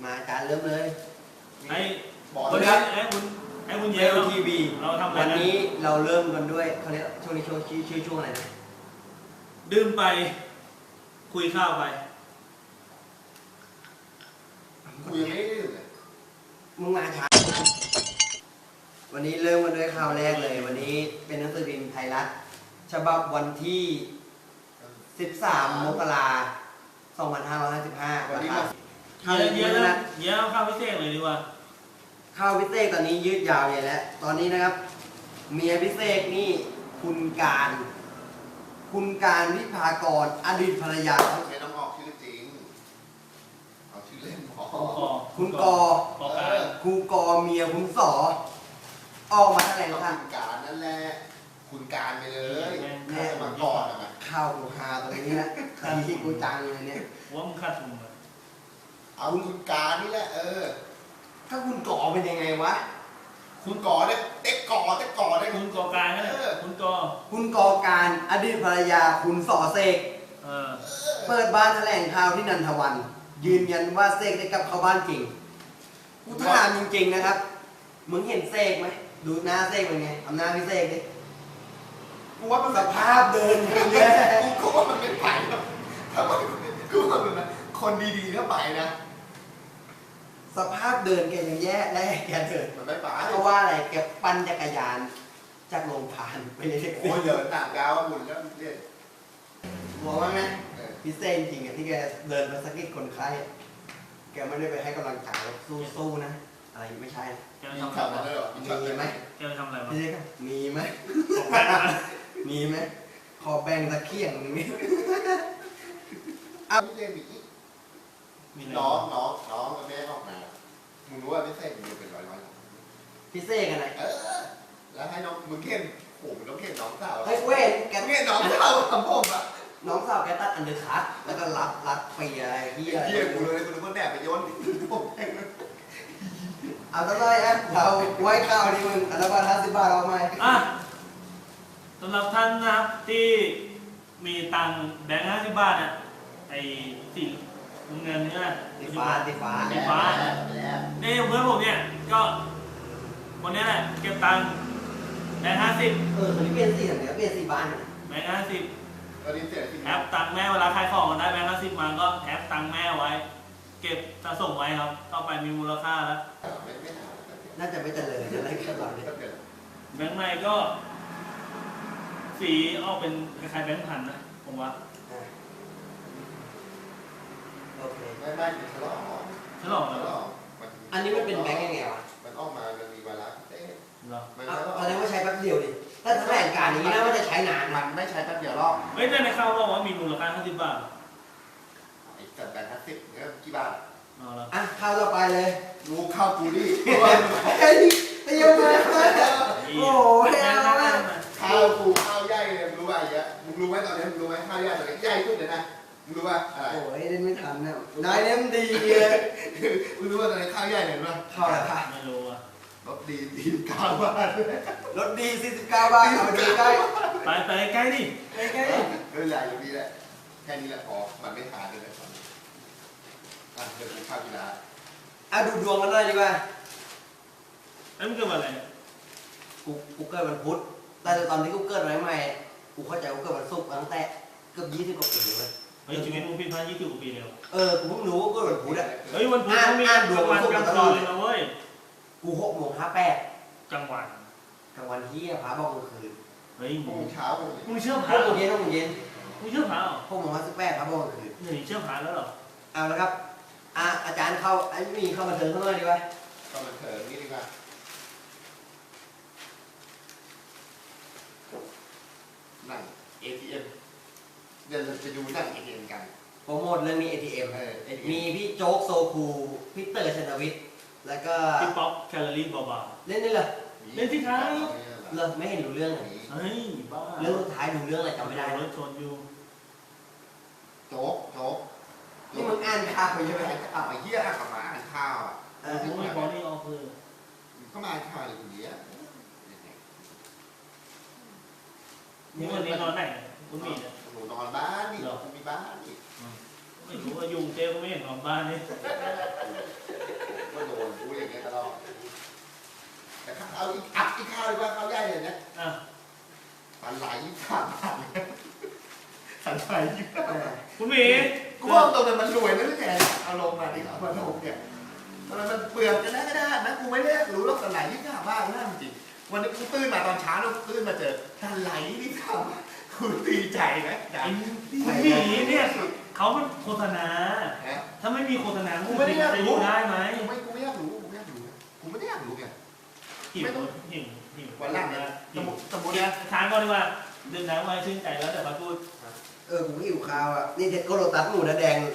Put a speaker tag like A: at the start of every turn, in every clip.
A: มาอาจารย์เริ่มเลย
B: ไอ้
C: บอก
B: คน
C: เลย
B: นี้
C: ครับ
B: ไอ้คุณเย
A: เอ
B: ล
A: ลทีวี
B: เราทำอะไร
A: วัน
B: นะ
A: นี้เราเริ่มกันด้วยเขาเรียกช่วงนี้ชื่อช่วงอะไรนะ
B: ดื่มไปคุยข้าวไป
C: กูยังไม่ได้ดื่มเลย
A: มึงมาช้าวันนี้เริ่มกันด้วยข่าวแรกเลย วันนี้เป็นหนังสือพิมพ์ไทยรัฐฉบับวันที่ 13 มกราคม 2555
C: วันนี้
A: ค
C: มา
A: รับ
B: เยอะนะเยอะข้าวพิเศษเลยดีกว่า
A: ข้าวพิเศษตอนนี้ยืดยาวใหญ่แล้วตอนนี้นะครับ เมียพิเศษนี่คุณการวิภากรอดีตภรรยา
C: ต้องใช้น้ำออกชื่อจริงเอาชื่อเล่นพอ
A: คุณกอ
B: ขอการ
A: ครูกอเมียคุณสอออกมาแถลง
C: ต้อง
A: ค่ะ
C: คุณการนั่นแหละคุณการไปเลย
A: แน่
C: สมัครก่อนอะมา
A: ข้าวกูฮาตรงนี้นะทีที่กูจังเลยเนี่ย
B: ว่ามึงขาดทุนเลย
C: เอาคุณการนี่แหละ
A: ถ้าคุณกอเป็นยังไงวะ
C: คุณก่อเนี่ยเต็กก่อได้
B: คุณกอการนั่นแหละคุณกอ
A: คุณกอการอดีตภรรยาคุณสอเสก
B: เออ
A: เปิดบ้านแถลงข่าวที่นันทวัน ยืนยันว่าเสกได้กลับเข้าบ้านจริงกูถามจริงๆนะครับมึงเห็นเสกไหมดูหน้าเสกเป็นไงทำหน้าพี่เสกดิ
C: กูว่ามัน
A: สภาพเดินอย่างเงี้ย
C: กูว่ามันไม่ไปหรอกถ้ามันกูว่ามันนะคนดีๆก็ไปนะ
A: สภาพเดินแกยังแย่และแกเดิน
C: มันไม่ไป
A: เพราะว่าอะไรแกปั่นจักรยานจากโรงพยาบาลไปเลยนแท็ก
C: โอ้
A: ซี่
C: ยเดินต่างดาวหมุนแล้วเรียน
A: หัวว่าไหมพี่เซนจริงๆอะที่แกเดินไปสะกิดคนไข้แกไม่ได้ไปให้กำลังใจสู้ๆนะอะไรไม่ใช่นะ
B: แกไป
C: มี
B: ทำ
C: ขับ
B: อะไร
C: มาด้วยเหรอ
A: มีไหม
B: แกไปทำอะไรวะ
A: พี่เซนมีไหม
B: บอกแม่มา
A: มีไหมขอแบ่งตะเคียงหนึงนี่
C: เอาพี่เรียนมีอีก
B: มีอะไร
C: น้องแม่ออกมามึงรู้ว่าพี่เส้นมึงเป็นร้อย
A: พี่เซกันไหน
C: แล้วให้น้องมึงเข็นโอ้มึงต้องเข็นน้องสาว
A: เฮ้ยเว้ยแก
C: มึงเข็นน้องสาวทำผมอ่ะ
A: น้องสาวแกตัดอันเดอร์คัทแล้วก็รัดเปียอะไรที่อะไร
C: เยี่ยกูเลยกูนึกว่าแดดไปโยนผม
A: เอาตั้งแต่อ่ะเราไว้ข้าวดีมึงอันละบาท50 บาทเอาไหม
B: อ่ะสำหรับท่านนะครับที่มีตังค์แบงค์50 บาทอ่ะไอ้สีเงินเนี่ย
A: ตีฟ้า
B: นี่เพื่อนผมเนี่ยก็คนนี้แหละเก็บตังค์แบงค์50
A: คนนี้เปลี่ยนสีอย่างเดียวเปลี่ยนสีบ้าน
B: แบงค์50
C: ตอนนี้เสียที
B: แอปตังค์แม่เวลาขายของกันได้แบงค์50มาก็แอปตังค์แม่ไว้ เก็บสะสมไว้ครับต่อไปมีมูลค่าแล้ว
C: ไม่ถาม
A: น่าจะไม่เจริญอะไรแค่ตอนนี้
B: แบงค์ในก็ สีออกเป็นคล้ายๆแบงค์พันนะผมว่า
A: โอเค
C: ไม่ฉลอง
B: ฉลองแล้วเหรอ
A: อันนี้มันเป็นแบงค์ยังไงวะ
C: มันออกมามันมีเวลาเต้
B: เหรอ
C: มัน
A: แสดงว่าใช้แป๊บเดียวดิถ้าแถลงการอย่างนี้นะว่าจะใช้นาน
C: มั
A: นะ
C: นไม่ใช้แป๊บเดียวหรอก
B: เฮ้ยแต่ในข่าวบอกว่ามีมูลค่า50 บาท
C: ไอ้จัดแบงค์50เนี่ยกี่บาท
B: เอาละ
A: อ่ะข้าวต่อไปเลย
C: รู้ข้าวกูดิ
A: เฮ้ยเตรียมมาโอ้ยเอาละ
C: ข้าวกูข้าวใหญ่เลยมึงรู้ป่ะไอ้เงี้ยมึงรู้ไหมตอนนี้มึงรู้ไหมข้าวใหญ่ตอนนี้ใหญ่ขึ้นเลยนะมึงรู้ป่ะอะไร
A: โอ้ยเล่นไม่ทันนะนายเล่มดีเลย
C: มึงรู้ว่าตอนนี้ข้าวใหญ่เห็นป่ะ
A: เข้าแล้วค่ะ
B: ไม่รู้อ่ะ
C: รถดี9 บาท
A: รถดี49 บาทเอามาดูใกล้
B: ไปใกล้ดิ
A: ใกล้
C: ใหญ่อย่างนี้แหละแค่นี้แหละพอมันไม่ทานเลยตอนนี้เดี๋ยวกูข้าวกีฬา
A: อ่ะดูดวงกันหน่อยดีกว่า
B: ไอ้มึงเกิดวันอะไร
A: กูเกิดวันพุธแต่ตอนที่กูเกิดใหม่ๆกูเข้าใจกูเกิดวันศุกร์ตั้งแต่เกือบ20 กว่าปีเลย
B: เฮ้ยชีวิตมึงผิดพลาด20 กว่าปีเลย
A: กูเพิ่งรู้ว่าเกิดวันพุธอ่ะ
B: เฮ้ยวันพุธเขามีกลางวันกลางคืนเลยนะเว้ย
A: กู6:58
B: กลางวัน
A: กลางวันที่พระบอกกลางคืน
B: เฮ้ย
C: โมงเช้า
B: มึงเชื่อพ
A: 6
B: ระ
A: โมงเย็น6 โมงเย็น
B: มึงเชื่อพระเหรอ
A: 6:58พระบอกกลางคืน
B: เฮ้ยเชื่อพระแล้วเหรอ
A: เอาละครับอาจารย์เข้าไอ้มีเข้ามาเถิงข้างนอกดีกว่า
C: ก็มันเถิงนี่ดีกว่านั่ง ATM เดี๋ยวเราจะดูนั่ง ATM กัน
A: โปรโมทเรื่องนี้ ATM
C: ATM
A: มีพี่โจ๊กโซคูพี่เตอร์ชนวิทย์แล้วก็
B: พี่ป๊อปแคลอรี่เบา
A: เล่นนี่เหรอ
B: เล่นที่ท้าย
A: เลิกไม่เห็นรู้เรื่องเลย
B: ๆเฮ้ยบ้า
A: เรื่องสุดท้ายดูเรื่องอะไรจำไม่ได้
B: รถชนอยู่
C: โจ๊ก
A: นี่มึงอ่านข่าวใช่ไหม
C: เอาไอ้เหี้ยอ่ะมาอ่านข้าวอ่ะ
B: มึงไม่พอนี่ออกคือ
C: ก็มาอ่านข้าวเลยคนเดียว
B: นี่วันนี้นอนไหนคุณมีเนี่ย
C: หนูนอนบ้านนี่กูมีบ้านนี่
B: ไม่รู้ว่ายุงเจ๊ก็ไม่เห็นนอนบ้านนี่
C: แต่เอาอีกอัพอีกข้าวดีกว่าข้าวใหญ่เลยเนี่ย
B: อ่ะ
C: ปันไหล3 บาทปันไหล25 บาท
B: คุณหมี
C: กูว่าตรงนั้นมันรวยนะที่แกเอาลงมาดิเอามาลงเนี่ยมันเปลือกกันได้นะกูไม่ได้รู้หรอกปันไหล25 บาทนะจริงวันนี้กูตื่นมาตอนเช้าแล้วตื่นมาเจอปันไหล25 บาทกูดีใจนะใจ
B: คุณหมีเนี่ยเขาเป็นโฆษณา
C: ฮะ
B: ถ้าไม่มีโฆษณา
C: กูไม่ได้อยาก
B: จะอ
C: รู้
B: ยู่ได้ไหม
C: กูไม่อยากรู้กูไม่อยากรู้กูไม่ได้อยากรู้ไง
B: หิว
C: ไม่ต้อง
B: หิว
C: วันหลังเนี่ยสมมตินะ
B: ทานก่อนดีกว่าดื่มน้ำไว้ชื่นใจแล้วเดี๋ยวมาพูด
A: กูหิวข้าวอ่ะนี่เด็ดโกโรตัสหมูนะแดง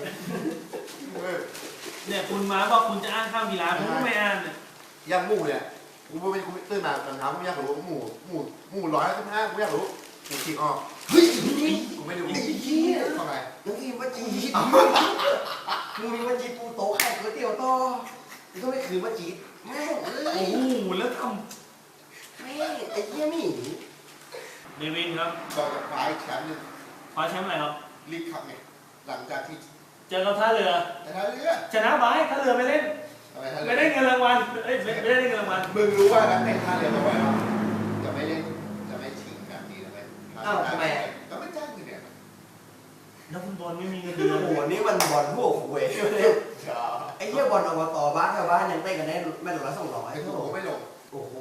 B: เนี่ยคุณมาบอกคุณจะอ้างข้าวกีฬาผมก็ไม่อ้างเนี่ย
C: ย่างหมูเนี่ยกูไม่ตื่นมาตอนเช้ากูอยากรู้หมู115กูอยากรู้กูคิดออก
A: เฮ้ย
C: กูไม่ดู
A: ไอ้เหี้ย
C: ทำไม
A: น้องทีมว่าจีดมึงมีว่าจีดปูโต๊ะไข่ก๋วยเตี๋ยวต่อมึงก็ไม่คืนว่าจีดแม่งเอ้
B: โอ้
A: ย
B: โหแล้วท
A: แม่งไอ้เหี้ยนี่
B: ำเดวินครับ
C: บอกกับฝ่ายแชมป์นึง
B: คว้าแชมป์อะไรครับ
C: รีบขับไงหลังจากที่
B: เจอกับท่าเรือ
C: แต่ถ้าเรือ
B: ชนะบายท่าเรือไม่เล่น
C: ทำไมท่าเรือ
B: ไม่ได้เงินรางวัลเอ้ยไม่ได้เงินรางวัล
C: มึงรู้ว่านักเตะท่าเรือบอกว่าจะไม่เล่นจะไม่ชิงแบบนี้นะเว้ย
A: อ้าวทำไมอ่ะ
C: ก็ไม่จ้างมึงเนี่ย
B: นักฟุตบอลไม่มีเงินเดือ
A: โอ้
B: น
A: โหนี่มันบอลพวกหวยเลยไอ้เหี้ยบอลอบตบ้านชาวบ้านยังเต้นกันได้แม่ละ200
C: ไอ้พวกผมไม่ลง
A: โอ้โห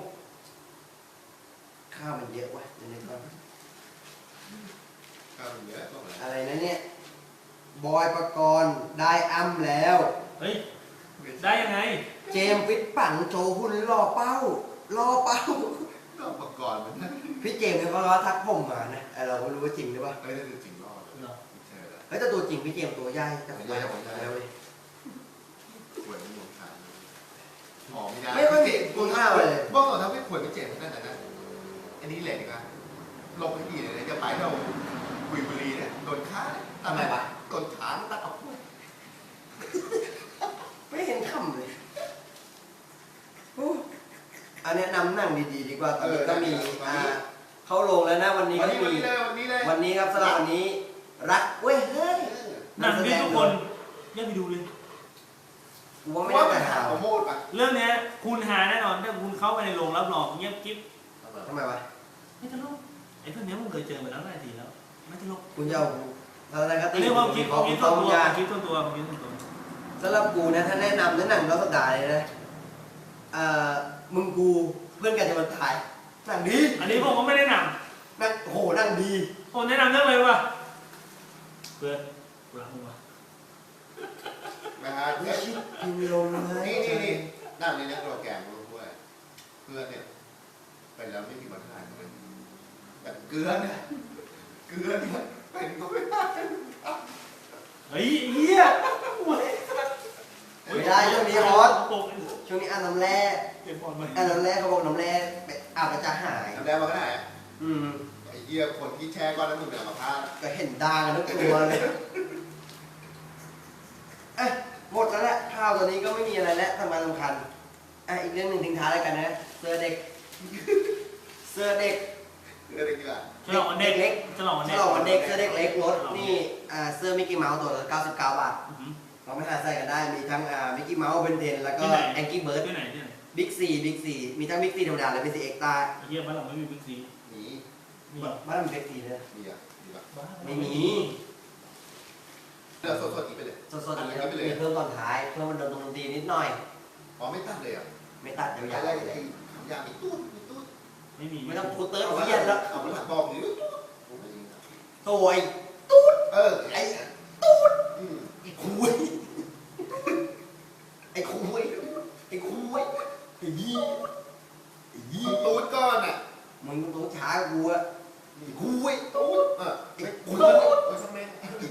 A: ข้าวมันเยอะว่ะเดี๋ยวนี้ก่อน
C: ก็มันเยอะก็เหมือน
A: อะไรนะเนี่ยบอยปกรณ์ได้อ้ำแล้ว
B: เฮ้ยได้ยังไง
A: เจมส์ฟิตปั่นโชว์หุ่นรอเป้ารอเป้า
C: ก็อุปกรณ์มันนั่น
A: พี่เจมส์เนี่ยเขาทักผมมานะเราไม่รู้ว่าจริงหรือเปล่า
C: เอ้ยนั่นคือจริงรอด
B: เหรอ
C: ใช่แล้ว
A: เฮ้ยแต่ตัวจริงพี่เจมส์ตัวใหญ่แต่ผมไม่ได้ผมแล้วเว้ย
C: ขวดมันลงทางหอมไม่ได้
A: ไม่ค่อยมีคุณค่าเลย
C: บ้องเราทำให้ขวดไม่เจ็บนั่นนะอันนี้แหละดีกว่าลงไปกี่เลยจะไปเรากุยบุรีเนี่ยโดนฆ่าทำไมวะโดนขาตัดออกด้วย
A: ไม่เห็นคำเลยอันนี้นำหนังดีๆดีกว่าตอนนี้ก็มีเข้าลงแล้วนะวันนี้
C: วัน
A: ก็
C: นี้
A: มี
C: เลยวันนี้เลย
A: วันนี้ครับสำหรับวันนี้รักเว้ยเฮ้ย
B: หนังที่ทุกคนอย่าไปดูเลย
A: กูว่าไม่
C: ว่า
A: ได้
C: มัน
A: แต่
C: หา
A: หา
C: โปรโมทป่ะ
B: เรื่องเนี้ยคุณหาแน่นอนถ้าคุณเข้าไปในโรงรับรองเงียบกิ๊บ
A: ทำไมวะ
B: ไม่ตลกไอ้พวกเนี้ยมึงเคยเจอมาแล้วหลายทีแล้วไม่ตลก
A: คุณจะเอาอะไรก็
B: อั
A: ตี
B: นนี้ความคิด
A: ของ
B: คิด
A: ต้
B: ตั
A: อ
B: ว
A: ง
B: ตัว
A: ยา
B: คิดตัวตัวคิดตัวตัว
A: สำหรับกูนะถ้าแนะนำหนังรอบสัปดาห์เลยนะมึงกูเพื่อนกันจะมาถ่ายหนังดี
B: อันนี้ผมก็ไม่ได้น
A: หนังโหหนังดี
B: ำผมแนะนำเรื่องอะไรวะเพื่อนกูรักมึงวะ
C: นะฮะ
A: วิชิตพิมลมนะ
C: นี่นั่งในนี้โปรแกรมรู้ด้วยเพื่อนเนี่ยเป็นแล้วไม่มีปัญหาเลยแบบเกลือเนี่ยเป็นก็ไม่ได้
B: เฮ้ยเหี้ย
A: ไม่ได้ช่วงนี้ฮอต
B: ปก
A: ช่วงนี้อ่านน้ำแร่
B: เก็บบอลมา
A: อ่านน้ำแร่เขาบอกน้ำแร่อาบแล้วจะหาย
C: ทำได้มาก็ได้
A: อืม
C: ไอ้เหี้ยคนที่แช่ก้อนน้ำมันเป็นอัมพาต
A: ก็เห็นด่างกันทั้งตัวเลยเอ้ยหมดแล้วแหละข้าวตัวนี้ก็ไม่มีอะไรแล้วทำงานสำคัญอีกเรื่องหนึ่งทิ้งท้ายแล้วกันนะเสื้อเด็ก เสื้อเด็ก
C: เรื่องอะไรกี่บาท
B: ฉลองวันเด็ก
A: เล็ก
B: ฉลองวัน
A: ฉ
B: เด็ก
A: ลองวันเด็กเสื้อเด็กเล็กรถนี่เสื้อมิกกี้เมาส์ตัวละ99 บาท
B: อื้อหือ
A: เราไม่หาใส่กันได้มีทั้งมิกกี้เมาส์เบนเทนแล้วก็
B: ที่ไหน
A: แองกี้เบิร์ด
B: ที่ไหนที่ไหน
A: บิ๊กซีมีทั้งบิ๊กซีธรรมดาและบิ๊กซีเอ็กซ์ตร้า
B: ไอ้เหี้ยบ้านเราไม่มีบิ๊กซี
C: หนี
B: มีเหรอ
A: บ้านเรามีบิ๊กซีเลย
C: มีอ่ะมีป่ะ
B: บ้านเรา
A: ไม่มี
C: เลือกสดๆอีกไปเลย
A: สดๆอย่างนี้แล้วมีเพิ่มตอนท้ายเพิ่มมันดนตรีนิดหน่อย
C: อ๋อไม่ตัดเลยอ่ะ
A: ไม่ตัดยาว
C: อะไร
A: ๆเล
C: ไอ้
A: ย
C: คำยามีตู้มีตู้
B: ไม่มี
A: ไม่ต้องพูดเติร์ดเอาเยียนแล้ว
C: เอามันหักบอกหรือผมไม่ยิง
A: โถ่ไอ้
C: เออ
A: ไอ้
C: อืม
A: ไอ้คุยไอ้คุยไอ้คุยไอ้ยี่ไอ้ยี่
C: ตูดก้อนอ่ะ
A: มึงต้องช้ากูอะไอ้คุย
C: ตูด
A: ไอ้
C: คุ
A: คุ
C: ณ
A: ย
C: โอ้ยสมัย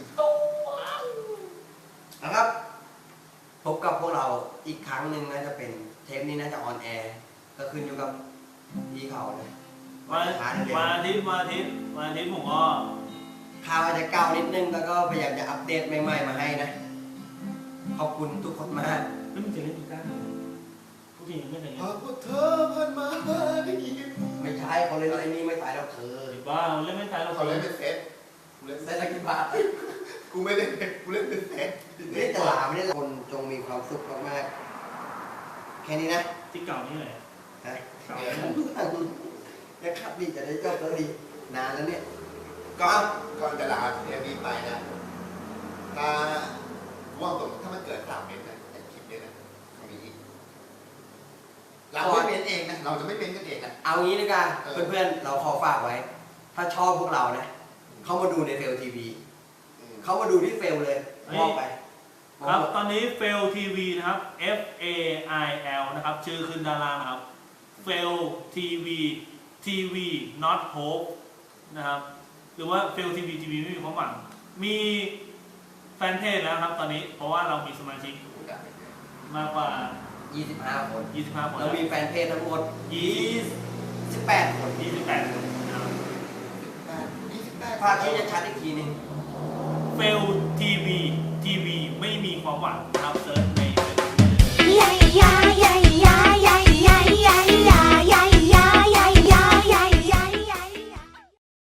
A: นะครับพบกับพวกเราอีกครั้งหนึ่งน่าจะเป็นเทปนี้น่าจะออนแอร์ก็ขึ้นอยู่กับพี่เขาเลย
B: วัน
A: ช้าเร็ว
B: วันอาทิตย์ผมก็
A: ข่าวอาจจะเก่านิดนึงแล้วก็พยายามจะอัปเดตใหม่ๆมาให้นะขอบคุณทุกคนมาก
B: ไม่มีจะเล่นกีตาร์ผู้หญิงไม่แต่ง
C: หากว่าเธอผ่านมาได้ยิน
A: ไม่ใช่เขาเล่นอะไรนี่ไม่ตายแล้วเธอ
B: หรือว่าเล่นไม่ตายเรา
C: เขาเล่นเป็นเซตกูเล่น
A: ได้สักกี่บาท
C: กูไม่เล่นเป็นกูเล่นเป็นเซต
A: ไม่ได้ตลาดไม่ได้คนจงมีความสุขมากๆแค่นี้นะ
B: ที่เก่านี่เลย
A: ฮะยังขับดีจะได้จบแล้วดีนานแล้วเนี่ย
C: ก็ก่อนจะลาเทปนี้ไปนะถ้าว่างตรงถ้ามันเกิด3 เมตรนะไอ้คลิปเนี้ยนะมีอีกเราไม่เม้นเองนะเราจะไม่เม้นกันเองนะ
A: เอางี้ดีกว่าเพื่อนๆเราขอฝากไว้ ถ้าชอบพวกเรานะเข้ามาดูในเฟลทีวีเขามาดูที่เฟลเลยมองไป
B: ครับตอนนี้ Fail TV นะครับ F A I L นะครับชื่อขึ้นด้านล่างนะครับ Fail TV TV not hope นะครับหรือว่า Fail TV TV ไม่มีความหวังมีแฟนเพจแล้วครับตอนนี้เพราะว่าเรามีสมาชิกมากกว่า
A: 25 คน
B: 25 คน
A: เรามีแฟนเพจทั้งหมด28 คน
B: 28 คนนะครับ
A: ภาพที่จะชัดอีกทีหนึง
B: Fail TV TV ไม่มีความหวังนะครับเซิร์ช